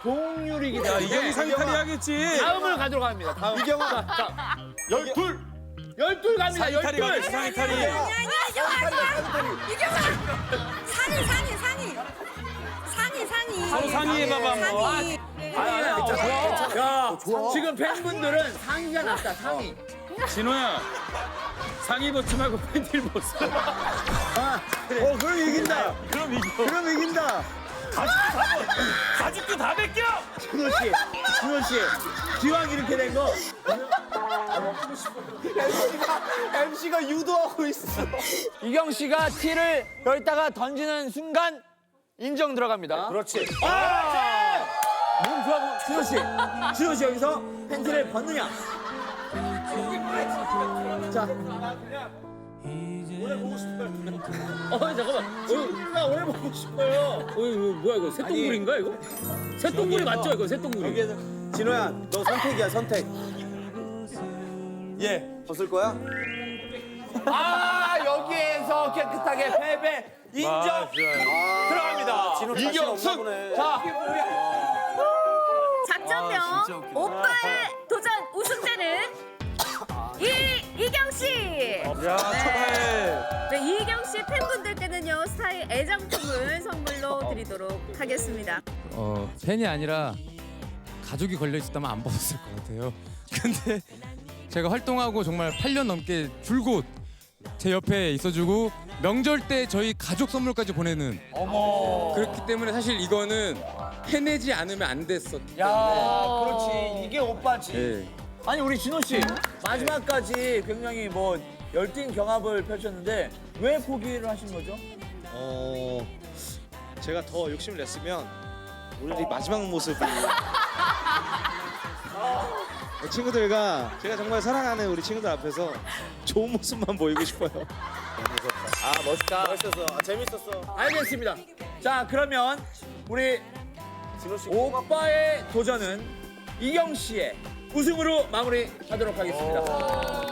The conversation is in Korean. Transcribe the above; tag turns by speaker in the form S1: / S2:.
S1: 동률이기
S2: 야,
S1: 때문에
S2: 이경이 상탈이 하겠지.
S1: 다음을 가도록 합니다. 다음.
S3: 이경아.
S1: 자,
S3: 12.
S1: 12 갑니다.
S2: 상탈이
S1: 12.
S2: 가겠지, 상탈이.
S4: 아니야, 이경아, 이경아. 상의.
S2: 서로 상의해봐봐, 한번.
S4: 상의.
S1: 아니야,
S4: 네.
S1: 야,
S3: 좋아.
S1: 지금 팬분들은 상의가 낫다, 상의.
S2: 진호야, 상의 벗지 말고 팬티를 벗어.
S3: 그럼 이긴다.
S2: 그럼 이겨.
S3: 그럼 이긴다.
S2: 가죽도 다 벗겨!
S3: 준호 씨, 기왕 이렇게 된 거. MC가 유도하고 있어.
S1: 이경 씨가 티를 열다가 던지는 순간 인정 들어갑니다.
S3: 그렇지.
S1: 몸 좋아 보여.
S3: 준호 씨 여기서 팬티를 벗느냐? 자,
S1: 잠깐만.
S3: 나 오래 보고 싶어요.
S1: 이거 뭐야 이거 새똥물인가 이거? 새똥물이 맞죠 이거 새똥물이?
S3: 여기에서 진호야, 너 선택이야 선택. 예, 벗을 거야?
S1: 아 여기에서 깨끗하게 패배 인정 들어갑니다.
S3: 진호 자신 없나
S1: 이경승.
S3: 보네.
S1: 자
S4: 작전명 오빠의 도전 우승자는 이경 씨.
S2: 야, 축하해.
S4: 네, 이경 씨 팬분들께는요 스타의 애장품을 선물로 드리도록 하겠습니다.
S5: 팬이 아니라 가족이 걸려 있었다면 안 벗었을 것 같아요. 근데 제가 활동하고 정말 8년 넘게 줄곧 제 옆에 있어주고 명절 때 저희 가족 선물까지 보내는. 그렇기 때문에 사실 이거는 해내지 않으면 안 됐었.
S1: 야, 그렇지. 이게 오빠지.
S5: 예.
S1: 아니 우리 진호 씨 마지막까지 굉장히 뭐 열띤 경합을 펼쳤는데 왜 포기를 하신 거죠?
S6: 제가 더 욕심을 냈으면 오늘 이 마지막 모습을 친구들과 제가 정말 사랑하는 우리 친구들 앞에서 좋은 모습만 보이고 싶어요.
S1: 아 멋있다.
S3: 멋있었어. 재밌었어.
S1: 알겠습니다. 자 그러면 우리 오빠의 도전은 이경 씨의 우승으로 마무리하도록 하겠습니다.